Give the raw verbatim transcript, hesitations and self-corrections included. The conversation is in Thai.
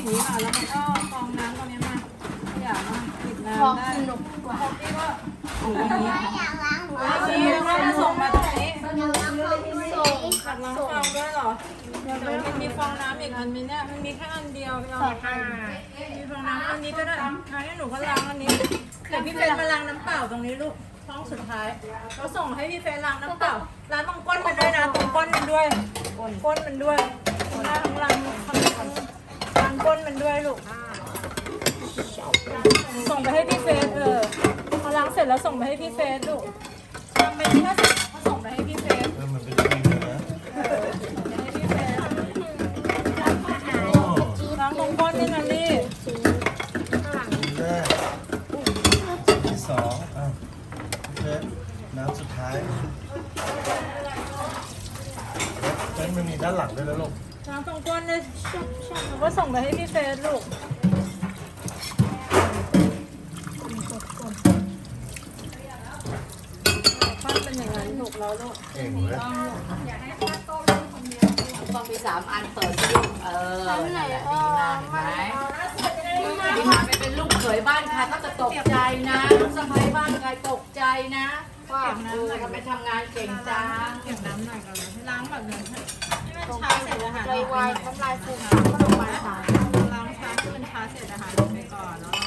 อย่างนี้ค่ะแล้วมันก็ฟองน้ำตรงนี้มาอย่ามาปิดน้ำได้หนุกกว่าที่ก็ถูอย่างนี้นี่แล้วก็จะส่งมาตรงนี้ขัดล้างฟองด้วยเหรอเดี๋ยวมันมีฟองน้ำอีกอันมีเนี่ยมันมีแค่อันเดียวเรามีฟองน้ำอันนี้ก็ได้อันนี้หนูก็ล้างอันนี้เดี๋ยวพี่เฟรนมาล้างน้ำเปล่าตรงนี้ลูกห้องสุดท้ายเราส่งให้พี่เฟรนล้างน้ำเปล่าล้างตรงก้นมันด้วยนะตรงก้นมันด้วยก้นมันด้วยหน้าทั้งล้างทั้งล้างก้นมันด้วยลูกส่งไปให้พี่เฟรนเออพอล้างเสร็จแล้วส่งไปให้พี่เฟรนลูกทำไปที่ถ้าเขาส่งไปให้พี่เฟรนมันเป็นจริงเลยนะให้พี่เฟรนล้างตรงก้นนี่นะลี่แรกที่สองอ่ะเฟสน้ำสุดท้ายเฟสมันมีด้านหลังด้วยนะลูกล้างตรงก้นเลยแล้วก็ส่งไปให้พี่เฟรนลูกปั้นเป็นอย่างนั้นลูกแล้วลูกเก่งเลยต้องมีสามอันเปิดลูกเออนั่นแหละดีมากเห็นไหมดีมากไปเป็นลูกเขยบ้านใครก็จะตกใจนะลูกสะใภ้บ้านใครตกใจนะว่าเออทำไมทำงานเก่งจังเก็บน้ำหน่อยก่อนเลยล้างแบบนี้ให้มันช้าเสร็จอาหารเลยออกวาไปยหน่อยน้ำลายฟูมก็ลงมาค่ะล้างช้าให้มันช้าเสร็จอาหารออกไปก่อนแล้ว